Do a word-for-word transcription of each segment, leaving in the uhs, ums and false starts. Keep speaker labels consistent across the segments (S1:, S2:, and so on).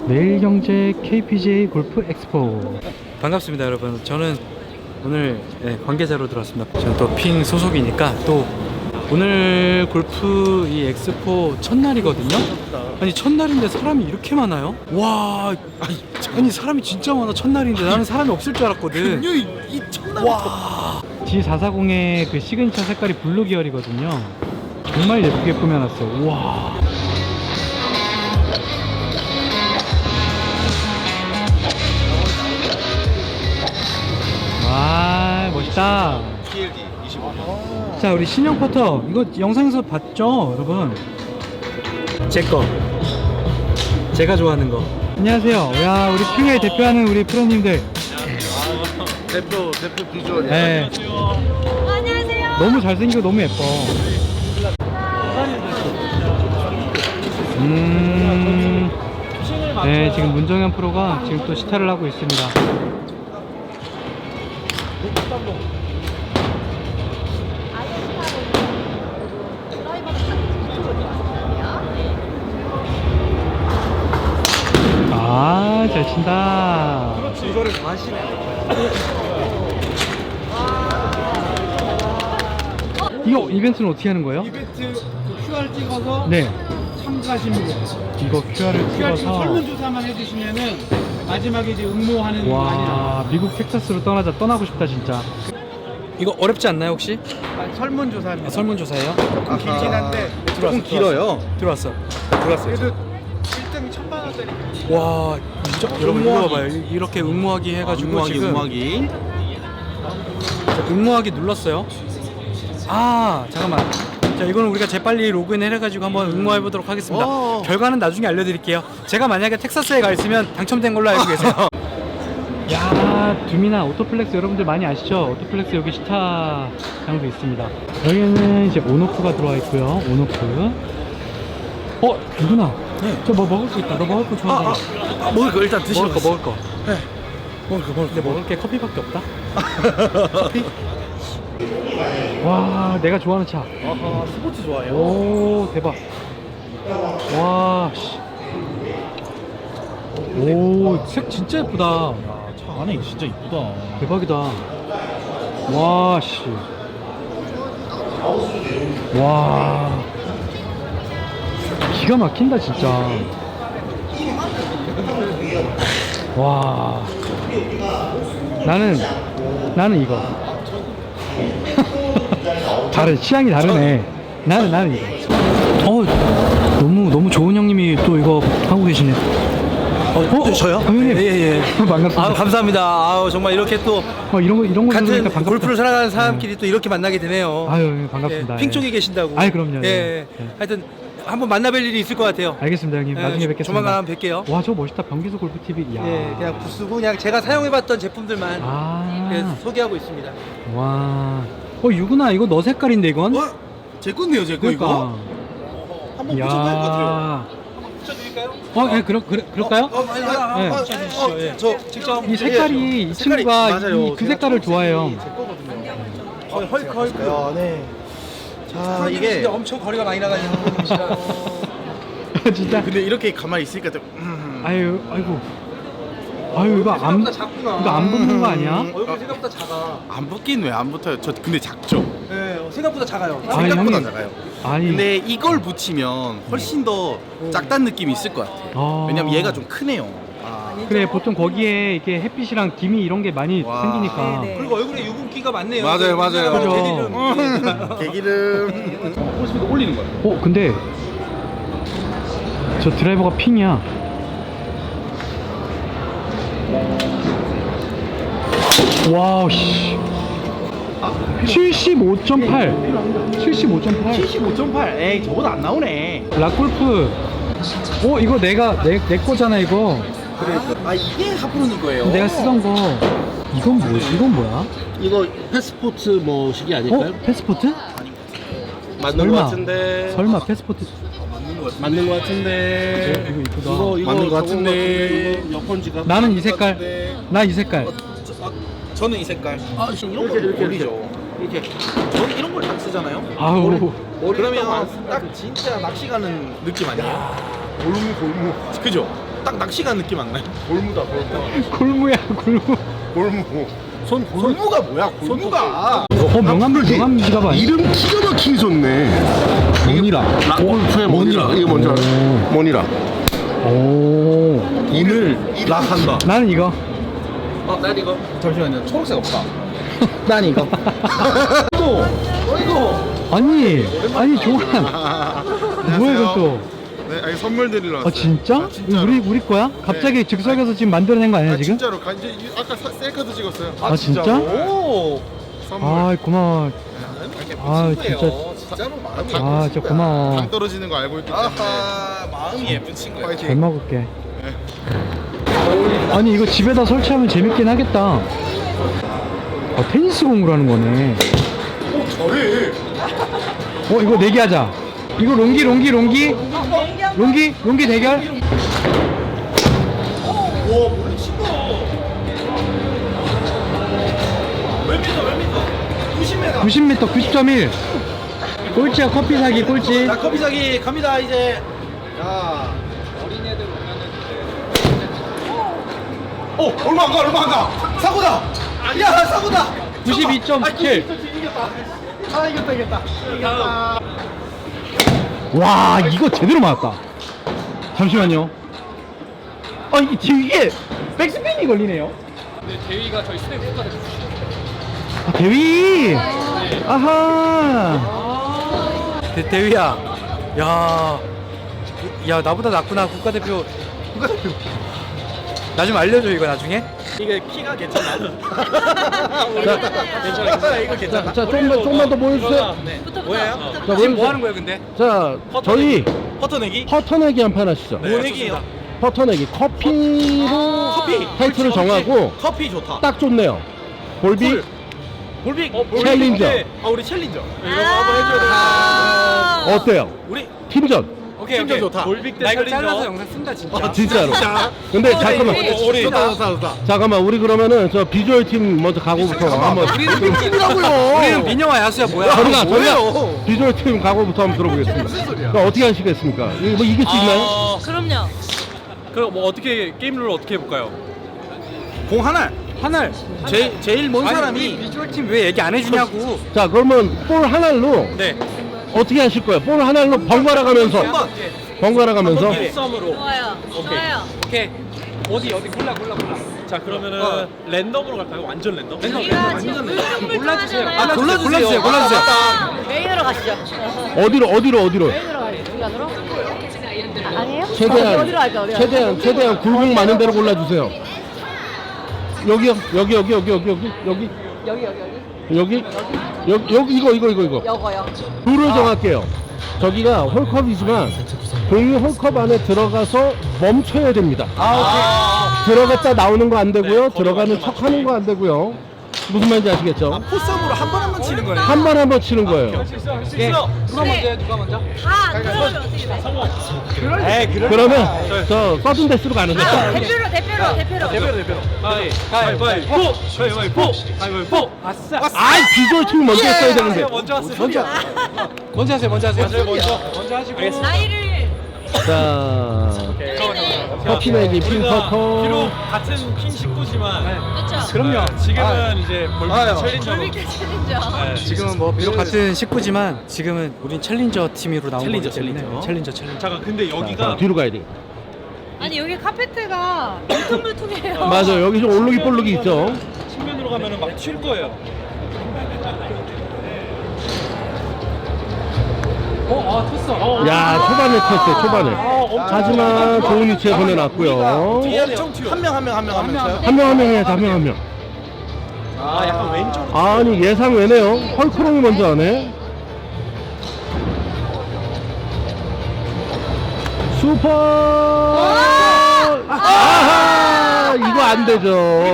S1: 매일경제 케이피지에이 골프 엑스포. 반갑습니다 여러분. 저는 오늘 네, 관계자로 들어왔습니다. 저는 또 핑 소속이니까 또 오늘 골프 이 엑스포 첫날이거든요. 아니 첫날인데 사람이 이렇게 많아요? 와, 아니, 아니 사람이 진짜 많아. 첫날인데 나는 사람이 없을 줄 알았거든.
S2: 이 첫날
S1: 와, 지 사사공의 그 시그니처 색깔이 블루 계열이거든요. 정말 예쁘게 꾸며놨어요. 와. 와, 멋있다.
S2: 티엘디 이십오 년.
S1: 자, 우리 신형 퍼터 이거 영상에서 봤죠 여러분? 제거 제가 좋아하는 거. 안녕하세요. 야, 우리 핑을 대표하는 우리 프로님들.
S2: 대표 대표 비주얼이야.
S1: 네.
S3: 안녕하세요.
S1: 너무 잘생기고 너무 예뻐. 음. 네, 지금 문정현 프로가 지금 또 시타를 하고 있습니다. 아, 잘 친다.
S2: 이거를 다 하시네.
S1: 이거 이벤트는 어떻게 하는 거예요?
S4: 이벤트 그 큐알 찍어서
S1: 네.
S4: 참가하시는 거예요.
S1: 이거 큐알을
S4: 큐알 찍어
S1: 찍어서.
S4: 설문조사만 해주시면은 마지막에 이제 응모하는 거
S1: 와,
S4: 아니라
S1: 미국 텍사스로 떠나자. 떠나고 싶다 진짜. 이거 어렵지 않나요 혹시?
S4: 설문조사입니다.
S1: 아, 설문조사예요?
S4: 조금 길긴 한데
S1: 들어왔어,
S2: 길어요.
S1: 들어왔어.
S4: 그래도 일 등 천만 원짜리.
S1: 와, 진짜 여러분 이거 봐봐요. 이렇게 응모하기 해가지고
S2: 응모하기
S1: 지금
S2: 응모하기.
S1: 자, 응모하기 눌렀어요. 아, 잠깐만. 자, 이거는 우리가 재빨리 로그인 해가지고 한번 응모해 보도록 하겠습니다.
S2: 오.
S1: 결과는 나중에 알려드릴게요. 제가 만약에 텍사스에 가 있으면 당첨된 걸로 알고 계세요. 야, 두미나 오토플렉스 여러분들 많이 아시죠? 오토플렉스 여기 시타장도 있습니다. 여기는 이제 온오프가 들어와 있고요. 온오프. 어, 누구나?
S2: 네.
S1: 저 뭐 먹을 거 있다. 너 먹을 거 좋아하잖아.
S2: 아, 먹을 거 일단 드시고
S1: 먹을 거 먹을 거.
S2: 네. 먹을 거 먹을
S1: 근데
S2: 거.
S1: 먹을 게 커피밖에 없다. 커피? 와, 내가 좋아하는 차.
S2: 아하, 스포츠 좋아해요.
S1: 오, 대박. 와, 씨. 오, 색 진짜 예쁘다.
S2: 아, 차 안에 진짜 이쁘다.
S1: 대박이다. 와, 씨. 와. 기가 막힌다, 진짜. 와. 나는, 나는 이거. 다른, 취향이 다르네. 나는, 나는 이거. 어, 너무, 너무 좋은 형님이 또 이거 하고 계시네.
S2: 어, 저요?
S1: 어, 형님.
S2: 예, 예.
S1: 반갑습니다.
S2: 아, 감사합니다. 아우, 정말 이렇게 또
S1: 어, 이런 거, 이런 거
S2: 같은
S1: 들으니까 반갑다.
S2: 골프를 사랑하는 사람끼리 또 이렇게 만나게 되네요.
S1: 아유, 예, 반갑습니다.
S2: 예, 핑
S1: 예.
S2: 쪽에 계신다고.
S1: 아이, 그럼요.
S2: 예.
S1: 예. 예.
S2: 하여튼 한번 만나뵐 일이 있을 것 같아요.
S1: 알겠습니다, 형님.
S2: 예,
S1: 나중에 뵙겠습니다.
S2: 조만간 한번 뵐게요.
S1: 와, 저거 멋있다. 변기수 골프티비. 야.
S2: 예, 그냥 부스고 그냥 제가 사용해봤던 제품들만
S1: 아.
S2: 예, 소개하고 있습니다.
S1: 와. 어, 유구나. 이거 너 색깔인데, 이건?
S2: 어? 제 건데요, 제 거
S1: 그러니까.
S2: 이거? 한번 붙여봐야 할 것 같아요.
S1: 야.
S2: 붙여드릴까요?
S1: 어, 예, 그러, 그래, 그럴까요?
S2: 어, 아니, 아니, 아니,
S1: 네.
S2: 어, 어, 예. 저 직접
S1: 이 색깔이,
S2: 예,
S1: 이
S2: 색깔이
S1: 친구가
S2: 맞아요.
S1: 이, 그
S2: 제가
S1: 색깔을 좋아해요.
S2: 제 거거든요. 어, 헐크 헐크. 야, 네. 자, 이게 엄청 거리가 많이 나가는 분이시라.
S1: 진짜.
S2: 근데 이렇게 가만히 있으니까 좀 음.
S1: 아유, 아이고. 아유, 이거 안,
S2: 생각보다 작구나.
S1: 이거 안 붙는 거 아니야?
S2: 음. 얼굴 생각보다 작아.
S5: 안 붙긴 왜 안 붙어요? 저 근데 작죠?
S2: 네, 어, 생각보다 작아요.
S1: 아니,
S5: 생각보다
S1: 형님.
S5: 작아요.
S1: 아니.
S5: 근데 이걸 붙이면 훨씬 더 작다는 느낌이 있을 것 같아요.
S1: 아.
S5: 왜냐면 얘가 좀 크네요. 아.
S1: 그래, 보통 거기에 이렇게 햇빛이랑 김이 이런 게 많이
S5: 와.
S1: 생기니까.
S3: 네네.
S2: 그리고 얼굴에 유분기가 많네요.
S5: 맞아요, 맞아요.
S1: 그죠.
S2: 대리름.
S5: 개기름.
S2: 홀스피드 올리는 거예요.
S1: 어, 근데 저 드라이버가 핑이야. 와우, 씨. 칠십오 점 팔. 칠십오 점 팔.
S2: 칠십오 점 팔. 에이, 저보다 안 나오네.
S1: 락골프. 어, 이거 내가 내, 내 거잖아, 이거.
S5: 그래. 아 이게 하프로는 거예요.
S1: 내가 쓰던 거. 이건 뭐, 이건 뭐야?
S6: 이거 패스포트 뭐 시기 아닐까요?
S1: 어? 패스포트?
S6: 맞는
S1: 설마.
S6: 것 같은데.
S1: 설마 패스포트.
S6: 맞는 것 같은데.
S1: 어, 이거 이쁘다.
S6: 이거 이거
S5: 맞는 것
S6: 저거
S5: 같은데.
S6: 이거 여권 지갑.
S1: 나는 이 색깔. 나 이 색깔.
S5: 저는 이 색깔.
S6: 아, 이런 거 이렇게
S5: 어울리죠.
S6: 이렇게.
S5: 저는 이런 걸 딱 쓰잖아요.
S1: 아우.
S5: 그러면 딱 진짜 낚시 가는 느낌 아니에요? 골무 골무. 그죠?
S6: 딱 낚시가 느낌 안 나요? 골무다 골무.
S1: 골무야 골무.
S6: 골무. 손 골무가 뭐야? 골무가.
S1: 어 명함 명함 지갑 아니야?
S6: 이름 기가 막히게 좋네. 모니라. 골프의 모니라. 이거 뭔지 알아? 모니라.
S1: 오.
S6: 오늘 락한다.
S1: 나는 이거.
S5: 어, 난 이거.
S6: 잠시만요. 초록색 없다.
S1: 난 이거.
S6: 또. 어 이거.
S1: 아니 아니 조한. 뭐야 이건 또?
S7: 네, 아니 선물 드리러 왔어요.
S1: 아 진짜?
S7: 아, 진짜로.
S1: 우리 우리 거야? 갑자기 즉석에서 지금 만들어낸 거 아니야
S7: 아,
S1: 지금?
S7: 진짜로 가- 이제 이- 아까 사- 셀카도 찍었어요.
S1: 아, 진짜?
S6: 오.
S7: 선물.
S1: 아 고마워. 아 진짜.
S6: 진짜로 마음이
S1: 아 진짜 고마워.
S7: 감 떨어지는 거 알고 있기 때문에.
S6: 아하 마음이 예쁜 친구야.
S1: 잘
S7: 파이팅.
S1: 먹을게. 아니 이거 집에다 설치하면 재밌긴 하겠다. 아, 테니스 공으로 하는 거네.
S6: 저래.
S1: 어 이거 내기하자. 이거 롱기 롱기 롱기 롱기 롱기 대결.
S6: 와 몰래 친구. 몇 미터 몇 미터? 구십 미터.
S1: 구십 미터 구십 점 일. 꼴찌야 커피 사기 꼴찌.
S2: 자 커피 사기 갑니다 이제.
S6: 야. 어 얼마 안 가 얼마 안 가. 사고다. 야 사고다.
S1: 구십이 점 칠.
S2: 아 이겼다 이겼다. 이겼다.
S1: 와 이거 제대로 맞았다. 잠시만요. 아 이게 이게 백스핀이 걸리네요.
S4: 네, 대위가 저희 스냅 국가대표 출신.
S1: 아, 대위. 아하. 대, 대위야. 야. 야 나보다 낫구나 국가대표. 국가대표. 나 좀 알려줘 이거 나중에.
S6: 이게 키가 괜찮아.
S1: 자,
S6: 괜찮아 이거 괜찮아.
S1: 자 좀만 좀만 더 보여주세요.
S6: 네.
S3: 붙어, 붙어,
S6: 뭐예요?
S3: 붙어,
S1: 자,
S3: 붙어.
S1: 지금
S6: 뭐 하는 거예요 근데?
S1: 자
S6: 퍼터
S1: 저희
S6: 내기. 퍼터 내기?
S1: 퍼터 내기 한 판 하시죠.
S6: 뭐 내기예요?
S1: 퍼터 내기 커피로
S6: 커피.
S1: 타이틀을 정하고
S6: 커피 좋다.
S1: 딱 좋네요. 볼빅
S6: 꿀. 볼빅. 어,
S1: 챌린저.
S6: 아 우리 챌린저. 이거
S3: 아.
S6: 한번 해줘야 돼.
S3: 아.
S1: 어때요?
S6: 우리
S1: 팀전.
S6: 오케이 오케이 좋다. 볼빅 대 챌린저. 잘라서 영상 쓴다 진짜.
S1: 아 진짜로. 근데 잠깐만.
S3: 네.
S6: 어, 우리
S7: 좋다 좋다 좋다.
S1: 잠깐만 우리 그러면 저 비주얼 팀 먼저 가고부터 한번.
S6: 우리는 팀이라고요.
S1: 우리는 민영아 야수야 뭐야? 저리가 저리가 비주얼 팀 가고부터 한번 들어보겠습니다. 그러니까 어떻게 하시겠습니까? 이거 뭐 이길 수 있나요?
S6: 아,
S3: 그럼요.
S8: 그럼 뭐 어떻게 게임 룰을 어떻게 해볼까요?
S6: 공 하나.
S1: 하늘.
S6: 제일 제일 먼
S1: 아니,
S6: 사람이
S1: 우리 비주얼 팀 왜 얘기 안 해주냐고. 자 그러면 볼 하나로
S8: 네.
S1: 어떻게 하실 거예요? 볼 하나로 번갈아 가면서
S6: 한 번.
S1: 번갈아 가면서
S8: 썸으로.
S3: 좋아요. 좋아요.
S8: 오케이. 어디 어디 골라 골라 골라. 자 그러면은
S6: 어.
S8: 랜덤으로 갈까요? 완전 랜덤?
S3: 우리가 지금 물정물정하잖아요.
S1: 아, 골라주세요. 골라주세요.
S3: 메인으로 가시죠.
S1: 어디로 어디로 어디로?
S3: 메인으로 가요. 여기 안으로? 아니에요?
S1: 최대한
S3: 어디로 갈까? 어디로 갈까?
S1: 최대한 최대한 굴곡 많은 데로 골라주세요. 여기요 여기 여기 여기 여기 여기 여기
S3: 여기 여기 여기.
S1: 여기 여기 여기 이거 이거 이거 이거
S3: 여거요.
S1: 룰을 정할게요. 저기가 홀컵이지만 공이 홀컵 안에 들어가서 멈춰야 됩니다.
S6: 아,
S1: 들어갔다 나오는 거 안 되고요. 들어가는 척 하는 거 안 되고요. 무슨 말인지 아시겠죠?
S6: 포썸으로 한 번 한 번 치는 거예요.
S1: 한 번 한 번 치는 거예요.
S3: 네.
S8: 누가 먼저 해? 누가 먼저?
S3: 다 들어오면 어떻게 돼?
S6: 에이 그래.
S1: 그러면 저 서든 데스로 가는 거죠.
S3: 아, 대표로 대표로 대표로.
S8: 대표로 대표로. 가위 가위바위보. 가위바위보. 가위바위보. 아싸.
S1: 아이 비주얼 팀이 먼저 했어야 되는데.
S8: 먼저 왔어요. 먼저. 먼저 하세요. 먼저 하세요. 먼저 먼저. 먼저 하시고.
S3: 나이를
S1: 자 커피 내기 핑
S8: 비록
S1: 퍼터.
S8: 같은 핀 식구지만
S3: 그렇죠.
S1: 그럼요.
S8: 지금은 이제 볼빅
S6: 아유.
S8: 챌린저로.
S3: 돌리기 챌린저.
S1: 지금은 뭐 비록 같은 식구지만 지금은 우린 챌린저 팀으로 나온
S6: 챌린저,
S1: 거기 때문에
S6: 챌린저.
S1: 챌린저 챌린저.
S8: 잠깐 근데
S1: 자,
S8: 여기가
S1: 뒤로 가야 돼.
S3: 아니 여기 카페트가 물퉁물퉁해요.
S1: 맞아 여기 좀 올르기 볼르기 있죠.
S8: 측면으로 가면은 막 튈 거예요. 어, 아, 텄어.
S1: 야 초반에 쳤어요 초반에. 하지만 좋은 위치에 보내놨고요.
S6: 한명 한 명 한 명 한 명.
S1: 한 명 한 명 해야지 한 명 한 명.
S8: 아, 약간 왼쪽.
S1: 아니 예상 외네요. 헐크롱이 먼저 하네. 슈퍼. 아하 이거 안 되죠.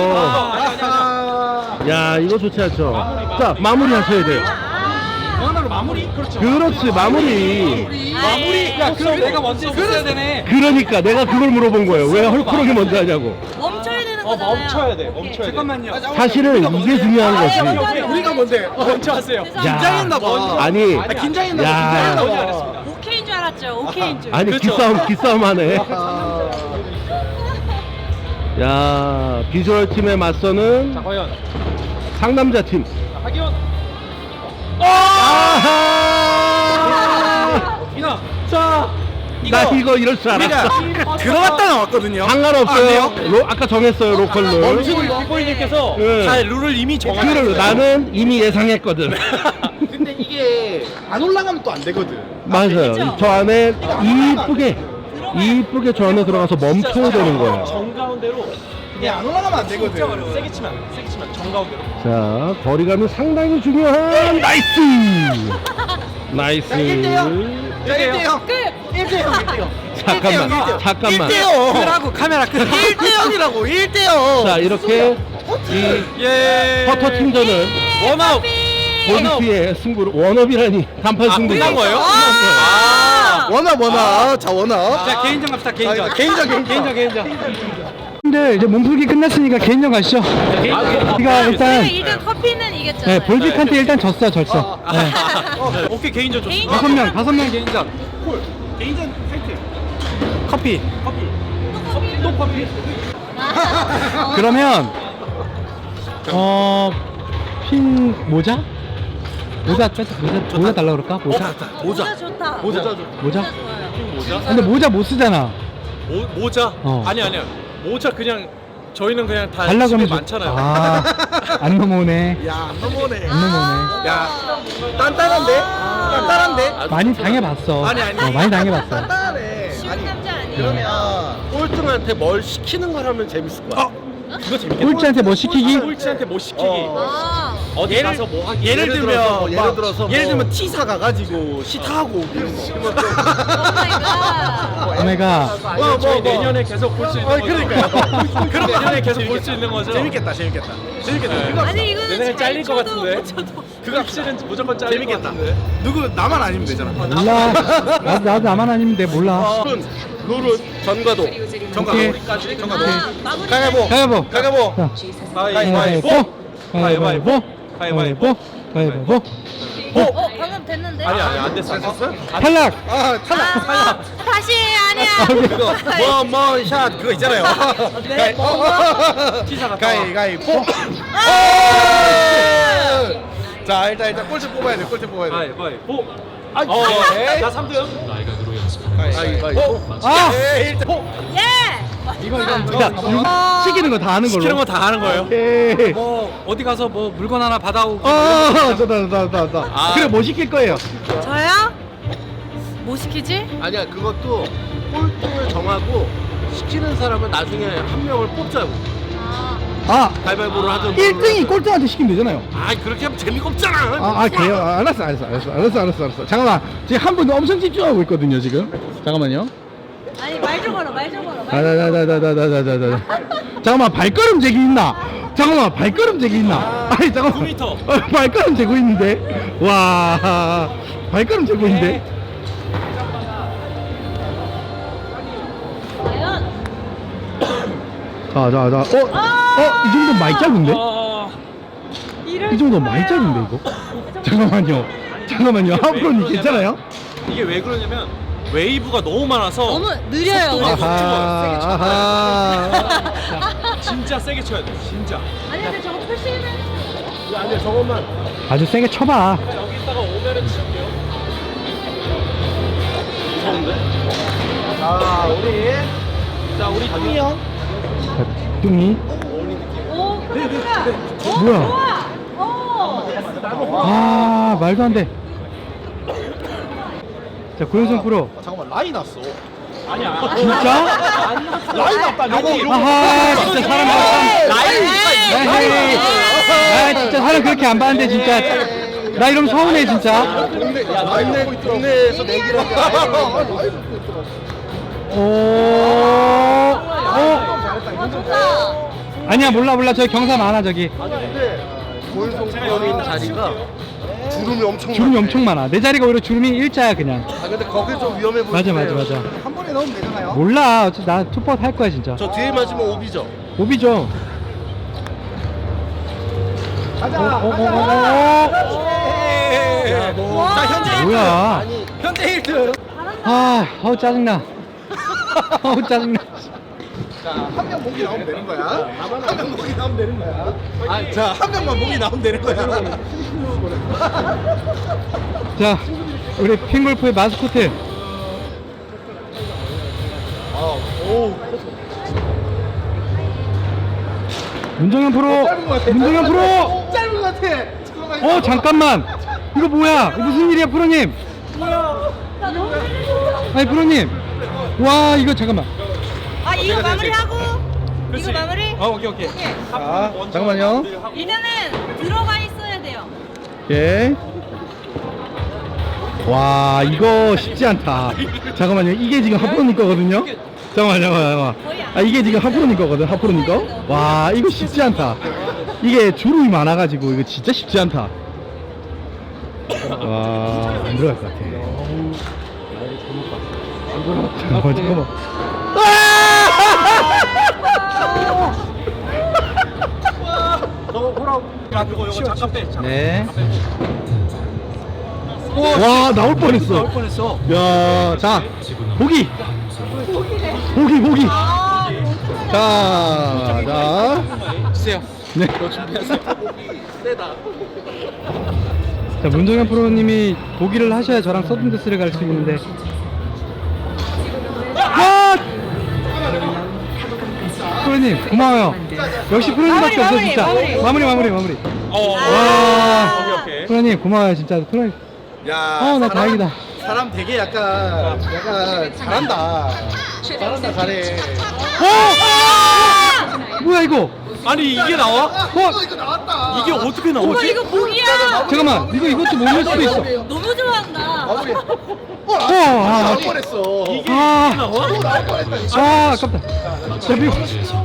S1: 야 이거 좋지 않죠. 자 마무리 하셔야 돼요.
S8: 하나로 마무리? 그렇죠.
S1: 그렇지 마무리.
S8: 마무리. 야, 그럼 내가 먼저 했어야 되네.
S1: 그러니까 내가 그걸 물어본 거예요. 왜 헐크롱이 먼저 하냐고.
S3: 멈춰야 되는
S8: 어,
S3: 거잖아요.
S8: 멈춰야 돼.
S3: 오케이.
S8: 멈춰야 돼. 잠깐만요.
S1: 사실은 이게 중요한 거지.
S6: 우리가 뭔데?
S8: 먼저 하세요.
S6: 긴장했나 봐.
S1: 아니
S6: 아, 긴장했나 봐.
S1: 야.
S6: 긴장했나
S8: 먼저
S6: 봐.
S8: 하겠습니다.
S3: 오케이인 줄 알았죠. 오케이인 줄.
S1: 아니 기싸움 기싸움 하네.
S6: 야, 비주얼 팀에 맞서는
S8: 자, 과연.
S6: 상남자 팀.
S8: 자, 하기원.
S6: 아하!
S8: 이나. 자,
S6: 나 이거 이럴 줄 알았어.
S5: 들어갔다 나왔거든요.
S6: 상관없어요. 로, 아까 정했어요, 로컬로.
S8: 멈추고 빅보이님께서
S6: 네.
S8: 다 룰을 이미 정하셨어요.
S6: 그걸 나는 이미 예상했거든.
S5: 근데 이게 안 올라가면 또 안 되거든.
S6: 맞아요. 저 안에 이쁘게, 이쁘게 저 안에 들어가서 멈춰야 되는 거야.
S8: 정가운데로.
S5: 이게 안 올라가면 안
S8: 진짜
S5: 되거든.
S8: 어려워. 세게 치면 안 돼. 세게 치면 정가운데로.
S6: 자, 거리감이 상당히 중요한 나이스! 나이스!
S5: 자, 일 대영. 일 대영.
S6: 잠깐만, 잠깐만.
S5: 끄라고 카메라 끄. 일 대 영이라고. 일 대 영.
S6: 자, 이렇게 이
S8: 예.
S6: 퍼터 팀전은
S8: 원아웃.
S6: 골프의 승부를 원업이라니 단판 승부.
S8: 끝난 거예요?
S6: 아,
S5: 원아 원아. 자 원아.
S8: 자, 개인전 갑시다. 개인전.
S5: 아, 개인전, 개인전.
S8: 개인전.
S1: 근데 이제 몸풀기 끝났으니까 개인전 가시죠. 우리가 일단
S3: 우리가 일단 커피는
S1: 네,
S3: 이겼잖아요.
S1: 볼빅한테 일단 졌어, 졌어. 네.
S8: 오케이, 개인전 좋습니다.
S3: 개인전.
S1: 다섯 명, 다섯 명 개인전.
S8: 개인전 타이틀.
S1: 커피.
S8: 커피. 커피. 또 커피.
S1: 그러면 어, 핀 모자? 모자 뺐 모자 모자 달라 그럴까? 모자.
S3: 모자 좋다.
S8: 모자.
S1: 모자?
S8: 모자?
S1: 근데 모자 못 쓰잖아.
S8: 모, 모자?
S1: 어.
S8: 아니 아니야. 모자 그냥 저희는 그냥 다
S1: 달라
S8: 집에
S1: 그러면 줘.
S8: 많잖아요.
S1: 아, 안 넘어오네.
S5: 야, 안 넘어오네.
S1: 안 넘어오네.
S5: 야, 단단한데? 단단한데?
S1: 많이 당해봤어.
S5: 아니, 아니.
S1: 어, 많이 당해봤어.
S5: 단단하네.
S3: 쉬운
S5: 아니,
S3: 남자 아니에요?
S5: 그러면 꼴등한테 뭘 시키는 걸 하면 재밌을 거야.
S8: 그거 재밌겠다.
S1: 꼴찌한테 뭐 시키기?
S8: 꼴찌한테 뭐 시키기.
S5: 어.
S3: 아,
S8: 어디
S5: 예를-
S8: 가서 뭐 하기.
S5: 예를 들면 들어서 뭐, 예를 막- 들어서
S6: 뭐
S5: 예를 들면 T 사 가가지고 시타하고 오고 이런 거.
S3: 오 마이 갓.
S1: 오메가.
S5: 뭐,
S8: 저희
S5: 뭐, 뭐.
S8: 내년에 계속 볼 수 있는
S5: 어,
S8: 거죠.
S5: 그러니까요.
S8: 그럼 내년에 계속 볼 수 있는 거죠.
S5: 재밌겠다, 재밌겠다. 재밌겠다.
S3: 아니 이거는
S8: 내년에
S3: 잘
S8: 잘릴 것
S3: 쳐도
S8: 같은데.
S3: 못 쳐도.
S8: 그거 확실은 무조건 잘릴 것
S5: 재밌겠다.
S8: 같은데.
S5: 누구 나만 아니면 되잖아.
S1: 몰라. 나도, 나도 나만 아니면 돼. 몰라.
S5: 룰은 룰은 전과도. 전과도.
S1: 오케이.
S8: 우리까지.
S5: 전과도.
S3: 아, 마무리.
S5: 가위바위보.
S1: 가위바위보.
S5: 가위바위보.
S1: 자,
S8: 가위바위보.
S1: 가위바위보. 가위바위보. 가위바위보.
S3: 어, 방금 됐는데?
S8: 아니 아니 안 됐어. 안 됐어?
S1: 탈락.
S5: 아, 탈락.
S3: 아, 다시 아니야.
S5: 그거 뭐뭐샷 그거 있잖아요.
S3: 네, 뭐,
S8: 티사가
S5: 가위바위보. 자, 일단 일단 꼴찌 뽑아야 돼. 꼴찌 뽑아야 돼.
S8: 가위바위보.
S5: 아,
S8: 어,
S5: 네.
S8: 나 삼 등.
S5: 가위바위보.
S1: 아!
S5: 예, 일단
S3: 예.
S1: 이거 이거 자, 이거 시키는 거 다 하는 걸로.
S8: 시키는 거 다 하는 거예요.
S1: 오케이.
S8: 뭐 어디 가서 뭐 물건 하나 받아오고.
S1: 어, 저다 저다 저다.
S8: 아.
S1: 그래 뭐 시킬 거예요?
S3: 저요? 뭐 시키지?
S5: 아니야, 그것도 꼴등을 정하고 시키는 사람은 나중에 한 명을 뽑자고.
S3: 아,
S1: 아,
S5: 가위바위보를 하든.
S1: 일 등이 꼴등한테 시키면 되잖아요.
S5: 아, 그렇게 하면 재미가 없잖아.
S1: 아, 아 그래요? 아, 알았어, 알았어, 알았어, 알았어, 알았어, 알았어. 잠깐만, 지금 한 분 엄청 집중하고 있거든요, 지금. 잠깐만요.
S3: 아니 말 좀 걸어, 말 좀 걸어.
S1: 아, 다다다다다다다다다. 잠깐만, 발걸음 재기 있나? 잠깐만, 발걸음 재기 있나? 아니, 잠깐만.
S8: 구 미터.
S1: 어, 발걸음 재고 있는데. 와, 발걸음 재고 있는데.
S3: 과연?
S1: 자, 자, 자. 어, 어, 이 정도 많이 짧은데?
S8: 어,
S3: 이럴
S1: 이 정도
S3: 거예요.
S1: 많이 짧은데 이거? 잠깐만요. 잠깐만요. 하프로님 괜찮아요?
S8: 이게 왜 그러냐면 웨이브가 너무 많아서
S3: 너무 느려요.
S8: 속도가
S3: 그래서.
S1: 아하, 아하.
S8: 진짜 세게 쳐야 돼. 진짜.
S3: 아니 근데 저거 표시는
S8: 아니야 저것만
S1: 아주 세게 쳐봐.
S8: 여기다가 오면은 칠게요. 무서운데?
S5: 자, 우리
S8: 자 우리 뚱이 형.
S1: 자, 뚱이.
S3: 오 크다 크다.
S1: 뭐야?
S3: 오.
S1: 아, 말도 안 돼. 자, 고현성 프로.
S5: 아, 잠깐만, 라인 났어.
S8: 아니야.
S1: 진짜?
S5: 라인 났다. 요거 요거.
S1: 아하, 진짜 사람
S5: 라인
S1: 에이, 아, 진짜 사람 그렇게 안 봤는데 진짜. 나 이러면 서운해 진짜.
S5: 동네 야, 동네 동네에서 내기를 하게.
S1: 오, 어,
S3: 좋다.
S1: 아니야 몰라 몰라 저기 경사 많아 저기.
S5: 근데 고현성 프로 있는 자리가 주름이 엄청
S1: 주름이
S5: 많네.
S1: 엄청 많아. 내 자리가 오히려 주름이 일자야 그냥.
S5: 아, 근데 거기 좀 위험해 보이는데.
S1: 맞아 맞아 맞아.
S5: 한 번에 넣으면 되잖아요.
S1: 몰라. 어차피 나 투퍼 할 거야 진짜.
S5: 저 뒤에 맞으면 오비죠.
S1: 오비죠.
S5: 가자.
S1: 어, 어, 어,
S5: 가자.
S1: 어,
S5: 예.
S3: 와.
S5: 자, 현재 일 등.
S1: 뭐야?
S5: 아니, 현재 일 등.
S1: 아, 어우 짜증나. 어우 짜증나.
S2: 한 명 목이 나오면 되는 거야. 한 명 목이 나오면 되는 거야. 아, 자, 한 명만 목이 나오면 되는 거야.
S1: 자, 우리 핑골프의 마스코트. 문정현 프로. 문정현 프로.
S2: 짧은 것 같아.
S1: 어 잠깐만. 이거 뭐야? 이거 무슨 일이야 프로님? 아니 프로님. 와 이거 잠깐만.
S3: 아 이거 마무리하고 이거 마무리.
S1: 어 오케이 오케이.
S3: 오케이.
S1: 자 잠깐만요.
S3: 일단은 들어가 있어야 돼요.
S1: 오케이. 와 이거 쉽지 않다. 잠깐만요. 이게 지금 하프로님 거거든요. 잠깐만 잠깐만 잠깐만. 아 이게 지금 하프로님 거거든. 하프로님 거. 와 이거 쉽지 않다. 이게 주름이 많아가지고 이거 진짜 쉽지 않다. 와 안 들어갈 것 같아. 잠깐만 잠깐만. 네. 와 나올 뻔했어. 나올 뻔했어. 야, 자 보기. 보기 보기.
S3: 아,
S1: 자, 자. 주세요. 네. 자 문정현 프로님이 보기를 하셔야 저랑 서든데스를 갈 수 있는데. 와! 프로님 고마워요. 역시 프로님밖에 없어
S3: 마무리,
S1: 진짜.
S3: 마무리.
S1: 마무리 마무리 마무리.
S8: 어.
S1: 와.
S8: 오케이, 오케이.
S1: 프로님 고마워요 진짜. 프로님.
S2: 야,
S1: 어 나
S2: 사람-
S1: 다행이다.
S2: 사람 되게 약간 약간 잘한다. 잘한다, 잘해.
S1: 어! 뭐야 이거?
S8: 아니 이게 나와?
S1: 어?
S2: 이거 나왔다.
S8: 이게 어떻게
S3: 오빠
S8: 나오지?
S3: 이거 복이야.
S1: 잠깐만 이거 이것도 모를 수도 있어.
S3: 너무 좋아한다.
S2: 마무리. 어,
S1: 어,
S2: 아,
S1: 아,
S2: 나올 뻔했어.
S8: 이게
S1: 아.
S8: 나와?
S2: 또 나올 뻔했다.
S1: 아 아깝다. 자 미워.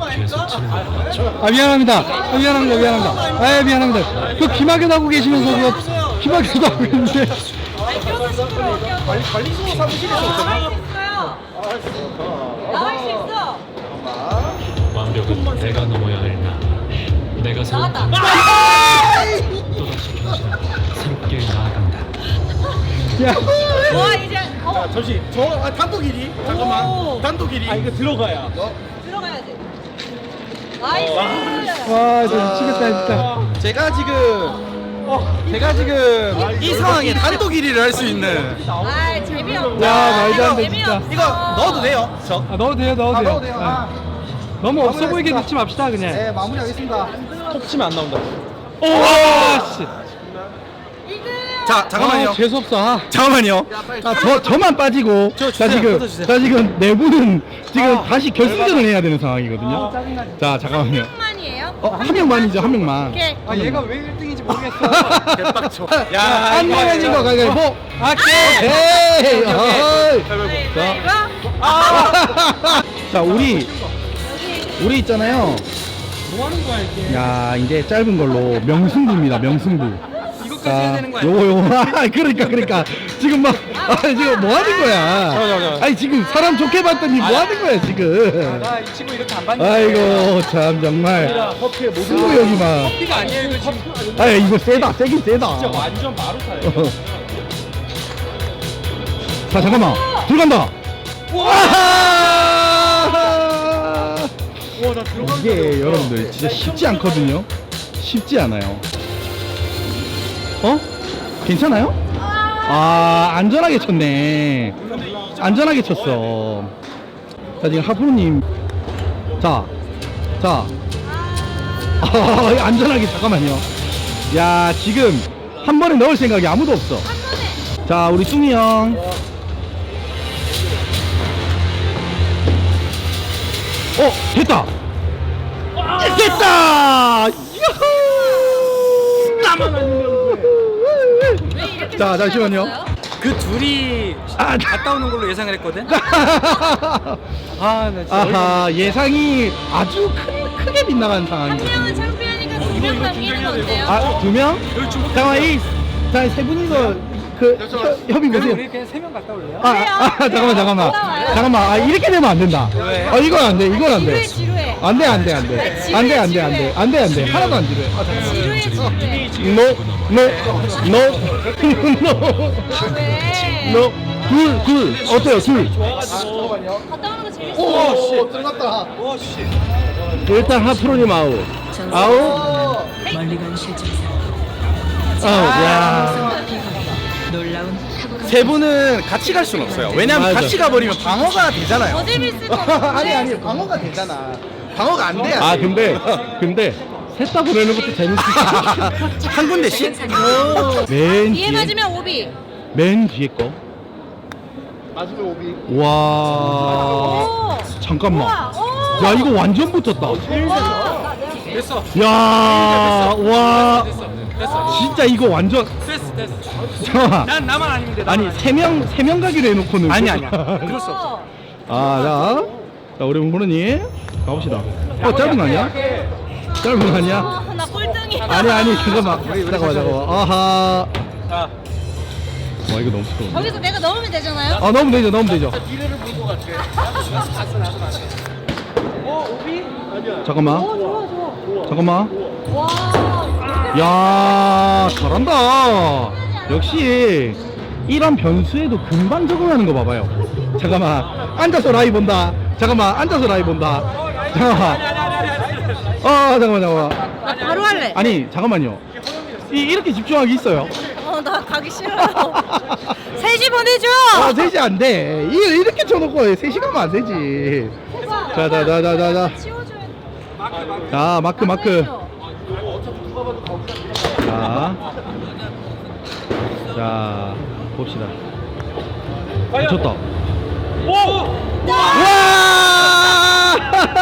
S1: 아 미안합니다. 아, 미안합니다. 미안합니다. 아 미안합니다. 그 귀마개 하고 계시면서 그거 귀마개도 하고 있는데.
S3: 아니 껴서 시끄러워.
S2: 관리 관리소 사무실에서
S3: 나갈 수 있어요. 나갈 수 있어.
S9: 완벽은 내가 넘어야 할 나. 내가 세운
S3: 나갔다.
S9: 또다시 경신하고 새롭게 나아간다.
S1: 야.
S3: 와 이제 어
S2: 잠시 저 아, 단독 일 위. 잠깐만.
S3: 오.
S2: 단독 일 위.
S8: 아 이거 들어가야.
S3: 들어가야지. 나이스.
S1: 와 진짜 미치겠다 진짜.
S2: 제가 지금 제가 지금 이 상황에 단독 일 위를 할 수 있는
S3: 아 재미없다.
S1: 야, 말도 안 돼,
S3: 재미없어.
S1: 진짜.
S2: 이거 넣어도 돼요. 저.
S1: 아 넣어도 돼요 넣어도
S2: 아,
S1: 돼요.
S2: 넣어도 돼요. 아.
S1: 너무 없어 보이게
S2: 마무리하겠습니다.
S1: 넣지 맙시다 그냥.
S2: 네, 마무리하겠습니다.
S8: 톡 치면 안 나온다.
S1: 오 씨.
S2: 자, 잠깐만요.
S1: 아, 재수 없어. 아.
S2: 잠깐만요.
S1: 아, 저, 저만 빠지고
S2: 저
S1: 자
S2: 주세요,
S1: 지금
S2: 뜯어주세요.
S1: 자 지금 내부는 지금 다시 결승전을 해야 되는 상황이거든요. 자 잠깐만요.
S3: 만이에요?
S1: 어, 한 명만이죠 한 명만.
S3: 오케이.
S1: 아 얘가
S2: 왜 일 등인지 모르겠어. 개빡쳐.
S1: 야, 한 명인 거 가위바위보. 아, 오케이. 어이.
S3: 가위바위보.
S1: 자, 우리 우리 있잖아요. 뭐 하는 거야 이게? 야, 이제 짧은 걸로 명승부입니다. 명승부. 이것까지 해야 되는 거야. 요거 요거. 아, 그러니까 그러니까 지금 막 아, 지금 뭐 하는 거야? 아니 지금 사람 좋게 봤더니 뭐 하는 거야 지금?
S8: 나 이 친구 이렇게 안 봤는데.
S1: 아이고 참 정말 승부 여기만.
S8: 커피가 아니에요 이거 지금.
S1: 아 이거 세다 세긴 세다.
S8: 진짜 완전 마루타예요.
S1: 자 잠깐만 들어간다.
S8: 와나 들어간
S1: 이게 여러분들 진짜 쉽지 않거든요. 쉽지 않아요. 어? 괜찮아요? 아 안전하게 쳤네. 안전하게 쳤어. 자 지금 하프로님 자 자. 아, 안전하게 잠깐만요. 야 지금 한 번에 넣을 생각이 아무도 없어. 자 우리 뚱이 형. 어 됐다. 됐다. 유후. 나만 아니면
S3: 왜 이렇게
S1: 자, 잠시만요.
S3: 생각났어요?
S2: 그 둘이
S1: 아,
S2: 갔다 오는 걸로 예상을 했거든.
S1: 아, 아하, 예상이 아주 큰, 크게 빗나간
S3: 한
S1: 상황이거든요.
S3: 명은 창피하니까 두 명 남기는 거 어때요?
S1: 아, 두 명? 잠깐만, 이, 자, 세 분이서 그 협- 협의 보세요.
S2: 그냥 세 명 갔다 올래요?
S1: 아, 아, 아, 잠깐만, 잠깐만. 잠깐만, 아, 이렇게 되면 안 된다.
S2: 왜?
S1: 아, 이건 안 돼, 이건 안 돼.
S3: 지루해 지루해.
S1: 안 돼, 안 돼, 안 돼. 안 돼, 안 돼, 안 돼. 안 돼, 안 돼. 하나도 안 지루해.
S3: 지루해 지루해.
S1: No, no, no, no,
S3: 아 왜?
S1: no.
S6: 둘, 둘. 어때요, 둘?
S3: 갔다 오는 거 재밌어.
S2: 오, 들어갔다.
S6: 일단 하프로님 아웃. 아웃. 아웃, 야.
S2: 세 분은 같이 갈 수는 없어요. 왜냐면
S6: 맞아.
S2: 같이 가버리면 방어가 되잖아요.
S3: 더 재밌을 것 같은데.
S2: 아니 아니 방어가 되잖아. 방어가 안 돼야
S6: 아,
S2: 돼.
S6: 근데, 근데, 셋 다 보내는 것도 재밌어.
S2: 한 군데씩?
S6: 맨
S3: 뒤에
S6: 뒤에,
S3: 맞으면 오비.
S6: 맨 뒤에 거.
S2: 맞으면 오비.
S6: 와.
S3: 오.
S6: 잠깐만.
S3: 우와, 오.
S6: 야, 이거 완전 붙었다.
S3: 와.
S8: 됐어.
S6: 야, 와.
S8: 됐어. 됐어.
S6: 진짜 이거 완전.
S8: 됐어. 됐어.
S6: 잠깐만.
S8: 난 나만 아니면 돼. 나만
S6: 아니, 세 명, 세 명 가기로 해놓고는.
S2: 아니 아니야.
S3: 그럴 수 없어.
S6: 아, 자. 자, 우리 홍보르님. 가봅시다. 어, 짧은 거 아니야? 짧은 거 아니야?
S3: 아, 나 꼴등이야.
S6: 아니, 아니, 잠깐만. 잠깐만, 잠깐만. 아하.
S8: 자,
S6: 와, 이거 너무 시끄러워.
S3: 거기서 내가 넣으면 되잖아요.
S6: 아, 넣으면 되죠, 넣으면 되죠.
S5: 뒤를 물고 갈게.
S6: 잠깐만.
S3: 오, 좋아, 좋아.
S6: 잠깐만.
S3: 와.
S6: 야, 잘한다. 역시 이런 변수에도 금방 적응하는 거 봐봐요. 잠깐만. 앉아서 라이 본다. 잠깐만. 앉아서 라이 본다. 잠깐만. 어, 잠깐만, 잠깐만.
S3: 나 바로 할래.
S6: 아니, 잠깐만요. 이, 이렇게 집중하기 있어요?
S3: 어, 나 가기 싫어요. 셋이 보내줘.
S6: 아, 셋이 안 돼. 이, 이렇게 쳐놓고 셋이 가면 안 되지. 자, 자, 자, 자, 자, 자.
S3: 치워줘야 돼.
S6: 자, 마크, 마크. 자. 자, 봅시다. 미쳤다. 와!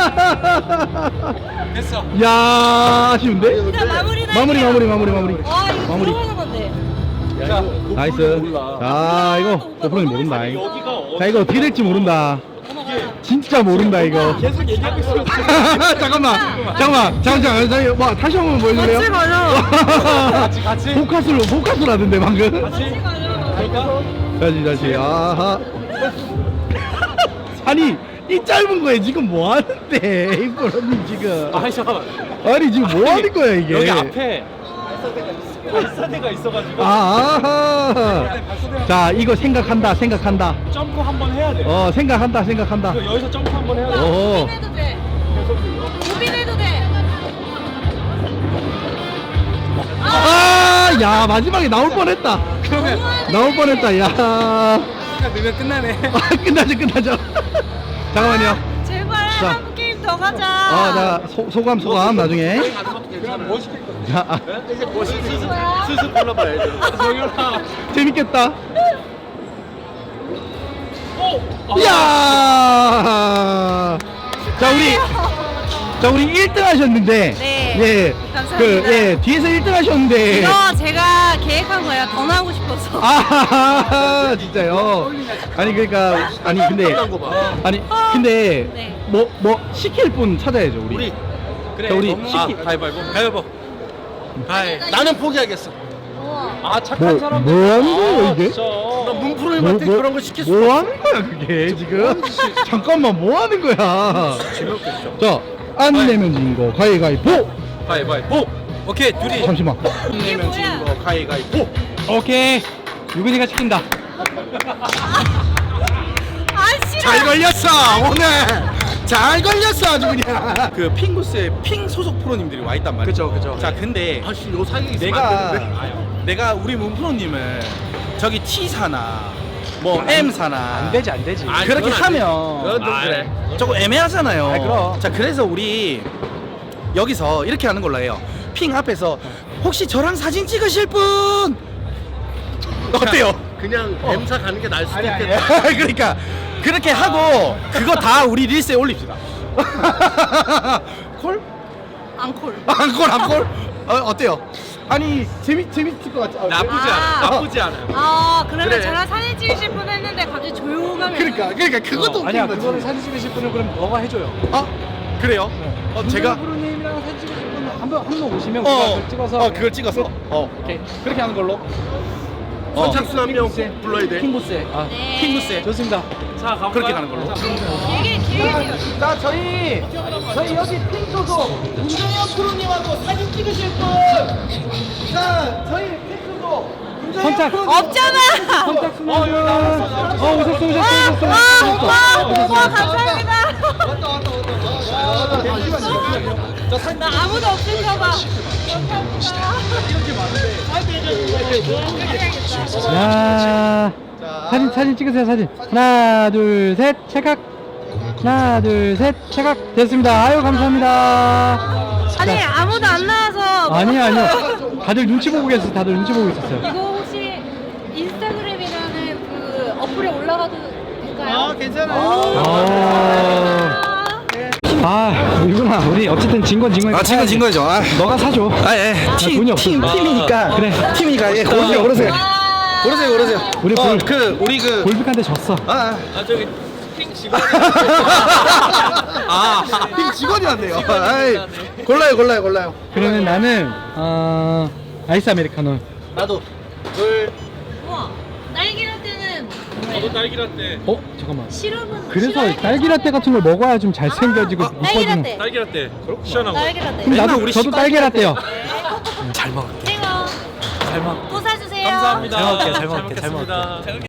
S8: 됐어.
S6: 야, 아쉬운데?
S3: 일단 마무리
S6: 마무리, 마무리, 마무리, 마무리.
S3: 와, 이거
S6: 마무리.
S3: 들어가는 건데.
S8: 자,
S6: 나이스. 자, 이거 고프로님 모른다. 자, 이거 어떻게 될지 모른다. 진짜 모른다 이거.
S8: 계속 얘기하고 있어.
S6: 잠깐만, 잠깐만, 잠깐만, 잠깐만. 뭐 다시 한번 보여줄래요?
S3: 같이 가요.
S8: 같이 같이.
S6: 포카스로 포카스로 하던데 방금.
S8: 같이. 갈까?
S6: 다시 다시. 아하. 아니 이 짧은 거에 지금 뭐 하는데 이프로님 지금.
S8: 아, 잠깐만.
S6: 아니 지금 뭐 하는 거야 이게?
S8: 여기 앞에 발사대가 있어가지고
S6: 아, 아하. 자 이거 생각한다 생각한다.
S8: 점프 한번 해야 돼.
S6: 어 생각한다 생각한다.
S8: 이거 여기서 점프 한번 해야 돼.
S6: 오.
S3: 고민해도 돼. 고민해도 돼.
S6: 아, 야 마지막에 나올 뻔했다.
S8: 그러면
S6: 나올 뻔했다. 야.
S8: 시간 넣으면 끝나네.
S6: 아, 끝나죠 끝나죠. 잠깐만요.
S3: 제발
S6: 자.
S3: 한국 게임 더 가자.
S6: 아, 자 소, 소감 소감 나중에.
S8: 그럼 뭐 시킬 거야?
S6: 자, 아,
S5: 이제 뭐 스스
S3: 뭐야?
S5: 스스 불러봐야지.
S8: 정연아.
S6: 재밌겠다.
S8: 오.
S6: 이야. 자 우리 자 우리 일 등 하셨는데.
S3: 네.
S6: 예.
S3: 감사합니다.
S6: 그 예, 뒤에서 일 등 하셨는데.
S3: 이거 제가 계획한 거예요. 더 나오고 싶어서.
S6: 아, 진짜요? 아니 그러니까 아니 근데 아니 근데
S3: 네.
S6: 뭐 뭐 시킬 분 찾아야죠 우리.
S5: 우리
S8: 그래.
S6: 자, 우리
S8: 너무-
S6: 시키-
S8: 아, 가위바위보. 가위바위보. 가위.
S5: 나는 포기하겠어.
S3: 우와.
S8: 아, 착한
S6: 뭐,
S8: 사람들.
S6: 뭐 하는 거야,
S8: 아,
S6: 이게?
S8: 진짜.
S5: 나 문프로님한테 그런 거 시킬 수
S6: 뭐
S5: 없어.
S6: 하는 거야 그게 지금? 잠깐만 뭐 하는 거야? 자, 안 내면 진 거 가위가위보.
S8: 가위바위보. 오케이, 둘이.
S6: 잠시만.
S3: 이게 뭐야?
S5: 거 가위가위보.
S8: 오케이. 유근이가 시킨다.
S3: 아 싫어.
S2: 잘 걸렸어 오늘. 잘 걸렸어 아주 그냥. 그 핑구스에 핑 소속 프로님들이 와 있단 말이야.
S8: 그죠, 그죠.
S2: 자 근데
S5: 아씨 요 사이에 있으면
S2: 내가
S5: 안 되는데.
S2: 내가 우리 문 프로님을 저기 T 사나 뭐 M 사나
S8: 안 되지, 안 되지.
S5: 아,
S2: 그렇게
S5: 그건 안 돼.
S2: 하면
S5: 그건 좀
S8: 아,
S5: 그래.
S2: 조금 애매하잖아요.
S8: 아, 그럼.
S2: 자 그래서 우리 여기서 이렇게 하는 걸로 해요. 핑 앞에서 혹시 저랑 사진 찍으실 분 어때요?
S5: 그냥 M사 가는 게 나을 수도
S8: 아니, 아니.
S5: 있겠다.
S2: 그러니까 그렇게 하고 그거 다 우리 릴스에 올립시다. 콜?
S3: 앙콜.
S2: 안콜 안콜? 어, 어때요? 아니 재밌 재밌을 것 같지?
S8: 나쁘지 않아.
S3: 아.
S8: 나쁘지 않아.
S3: 아 그러면
S2: 그래.
S3: 저랑 사진 찍으실 분 했는데 갑자기 조용하면.
S2: 그러니까 그러니까 그것도
S8: 아니야,
S2: 웃긴 거지.
S8: 그거는 사진 찍으실 분은 그럼 너가 해줘요.
S2: 아 그래요? 어 제가
S8: 프로님이랑 사진 찍으실 분은 한번 한 번 오시면
S2: 어,
S8: 그거 그걸 찍어서.
S2: 어 그걸 찍어서 어
S8: 오케이. 그렇게 하는 걸로.
S5: 선착순 한 명 불러야 돼.
S8: 킹보스에. 아,
S3: 네.
S2: 핑구스에
S8: 좋습니다. 자, 가볼까요?
S2: 그렇게 가는 걸로.
S3: 길게 길게 찍어.
S2: 자 저희 저희 여기 핑 소속 문정현 프로님하고 사진 찍으실 분. 자 저희 핑 소속
S1: 선착.
S3: 없잖아.
S1: 선착 순환. 어, 오셨어, 오셨어, 오셨어.
S3: 와, 와, 너무 감사합니다. 나 아무도 없을까봐.
S1: 야, 사진 사진 찍으세요 사진. 하나 둘 셋 찰칵. 하나 둘 셋 찰칵 됐습니다. 아유 감사합니다.
S3: 아니 아무도 안 나와서.
S1: 아니요 아니요. 다들 눈치 보고 계셨어요. 다들 눈치 보고 있었어요.
S3: 이거 혹시 인스타그램이라는 그 어플에 올라가도 될까요?
S4: 아 괜찮아요.
S1: 어... 아 이구나. 우리 어쨌든 진 건 진 거니까.
S2: 아 지금 진 거죠. 아,
S1: 너가 사줘.
S2: 아 예. 팀,
S1: 돈이 없어.
S2: 팀, 팀이니까.
S1: 그래.
S2: 팀이니까. 예, 고르세요, 고르세요. 고르세요, 고르세요.
S1: 우리
S2: 어,
S1: 골-
S2: 그 우리 그.
S1: 골프한테 졌어.
S2: 아, 아.
S8: 아 저기 핑 직원.
S2: 아, 팀 직원이었네요. 아이, 골라요, 골라요, 골라요.
S1: 그러면 나는 어 아이스 아메리카노.
S5: 나도 둘
S3: 우와, 딸기라떼는
S8: 저도 딸기라떼.
S1: 어 잠깐만.
S3: 시럽은
S1: 그래서
S3: 시럽이
S1: 딸기라떼 같은 걸 먹어야 좀 잘생겨지고
S3: 아,
S1: 이뻐지는.
S3: 딸기라떼.
S8: 딸기라떼. 시원하고.
S3: 딸기라떼.
S1: 그럼 나도
S2: 우리
S1: 저도
S2: 시발
S1: 딸기라떼요.
S2: 잘 먹을게.
S3: 땡어.
S1: 잘 먹.
S3: 또 사주세요.
S8: 감사합니다.
S1: 잘 먹을게요, 잘
S8: 잘
S1: 먹을게요, 잘
S8: 먹겠습니다.